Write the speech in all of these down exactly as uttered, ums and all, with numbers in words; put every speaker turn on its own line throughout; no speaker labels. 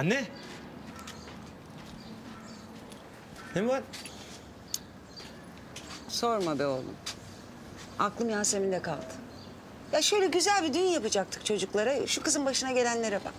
Anne. Ne var?
Sorma be oğlum. Aklım Yasemin'de kaldı. Ya şöyle güzel bir düğün yapacaktık çocuklara. Şu kızın başına gelenlere bak.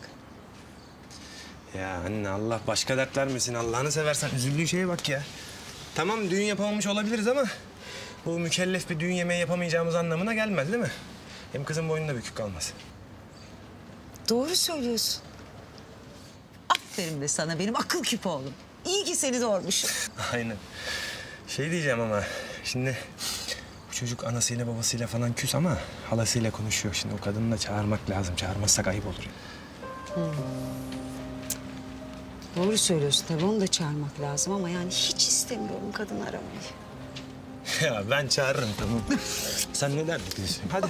Ya anne Allah başka dert vermesin. Allah'ını seversen üzüldüğün şeye bak ya. Tamam düğün yapamamış olabiliriz ama... ...bu mükellef bir düğün yemeği yapamayacağımız anlamına gelmez değil mi? Hem kızın boynunda bükük kalmaz.
Doğru söylüyorsun. Aferin de sana benim akıl küpü oğlum. İyi ki seni doğurmuşum.
Aynen. Şey diyeceğim ama şimdi... ...bu çocuk anasıyla babasıyla falan küs ama... ...halasıyla konuşuyor. Şimdi o kadını da çağırmak lazım. Çağırmazsak ayıp olur.
Hmm. Doğru söylüyorsun tabii onu da çağırmak lazım ama yani hiç istemiyorum kadın aramayı.
Ya ben çağırırım tamam. Sen ne derdin diyorsun? Hadi.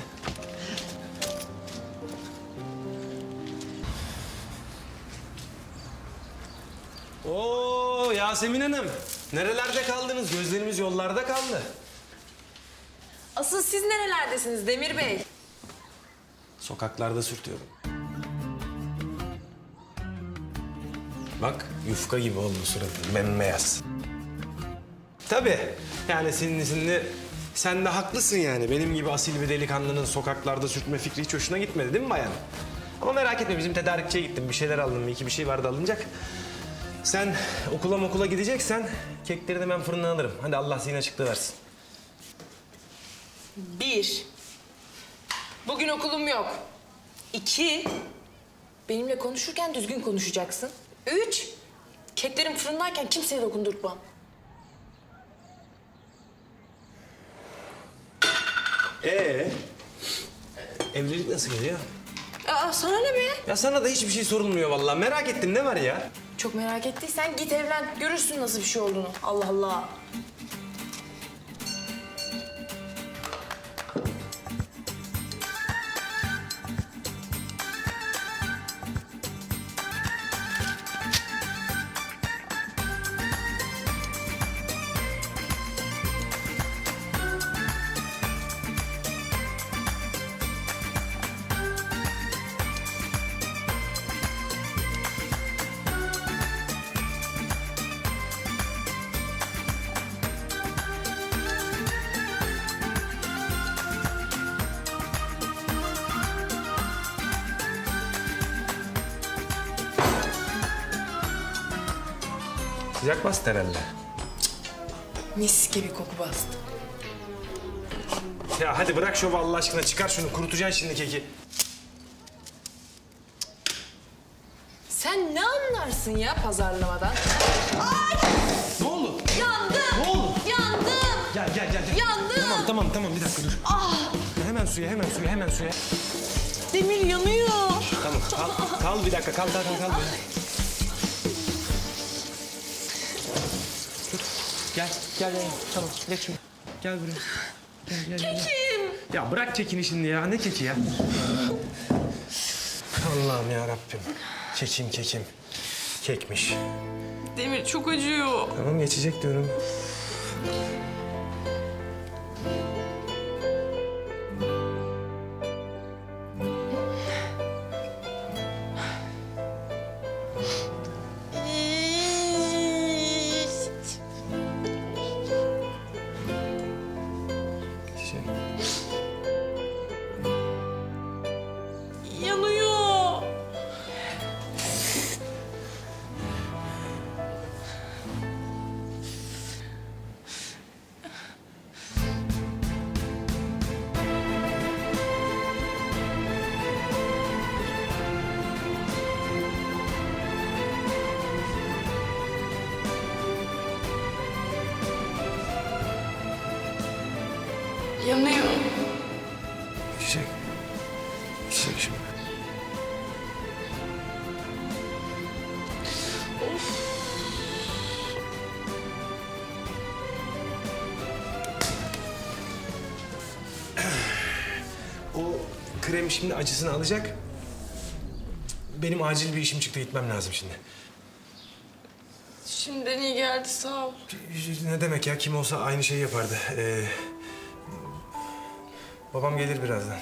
Oo Yasemin Hanım. Nerelerde kaldınız? Gözlerimiz yollarda kaldı.
Asıl siz nerelerdesiniz Demir Bey?
Sokaklarda sürtüyorum. Bak yufka gibi oldu suratın, bembeyaz. Tabii. Yani sinirli sinirli. Sen de haklısın yani. Benim gibi asil bir delikanlının sokaklarda sürtme fikri hiç hoşuna gitmedi değil mi bayan? Ama merak etme bizim tedarikçiye gittim. Bir şeyler aldım. Bir iki bir şey vardı alınacak. Sen okula okula gideceksen kekleri de ben fırından alırım. Hadi Allah zihin açıklığı versin.
Bir, bugün okulum yok. İki, benimle konuşurken düzgün konuşacaksın. Üç, keklerim fırındayken kimseye dokundurtmam.
Ee, evlilik nasıl geliyor?
Aa, sana ne be?
Ya sana da hiçbir şey sorulmuyor vallahi. Merak ettim ne var ya?
Çok merak ettiysen git evlen. Görürsün nasıl bir şey olduğunu. Allah Allah.
Sıcak bastı herhalde.
Mis gibi koku bastı.
Ya hadi bırak şovu Allah aşkına. Çıkar şunu. Kurutacaksın şimdi keki.
Sen ne anlarsın ya pazarlamadan?
Ne oldu?
Yandım!
Ne oldu?
Yandım!
Gel gel gel. gel.
Yandım!
Tamam tamam tamam bir dakika dur.
Ah!
Hemen suya hemen suya hemen suya.
Demir yanıyor.
Tamam kal, kal bir dakika kal kal kal. kal. Dur. Gel gel gel. Tamam geç şunu. Gel buraya. Gel, gel, gel.
Kekim!
Ya bırak kekini şimdi ya. Ne keki ya? Allah'ım ya Rabbim. Kekim kekim. Kekmiş.
Demir çok acıyor.
Tamam geçecek diyorum. Geçecek.
Yanıyor. Yanıyor.
Geçecek. Geçecek şimdi. O krem şimdi acısını alacak. Benim acil bir işim çıktı, gitmem lazım şimdi.
Şimdiden iyi geldi sağ ol.
Ne demek ya, kim olsa aynı şeyi yapardı. Ee, babam gelir birazdan.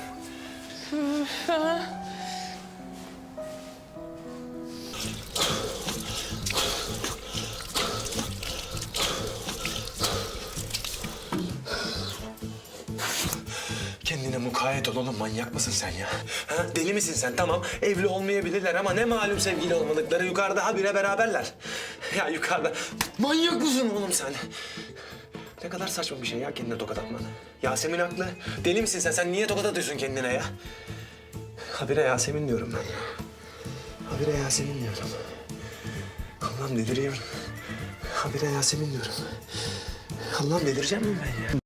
kendine mukayyet ol oğlum. Manyak mısın sen ya? Ha? Deli misin sen? Tamam evli olmayabilirler ama ne malum sevgili olmadıkları. Yukarıda habire beraberler. Ya yukarıda. Manyak mısın oğlum sen? Ne kadar saçma bir şey ya kendine tokat atman. Yasemin haklı. Deli misin sen? Sen niye tokat atıyorsun kendine ya? Habire Yasemin diyorum ben ya. Habire Yasemin diyorum. Allah'ım deliriyorum. Habire Yasemin diyorum. Allah'ım delireceğim mi ben ya?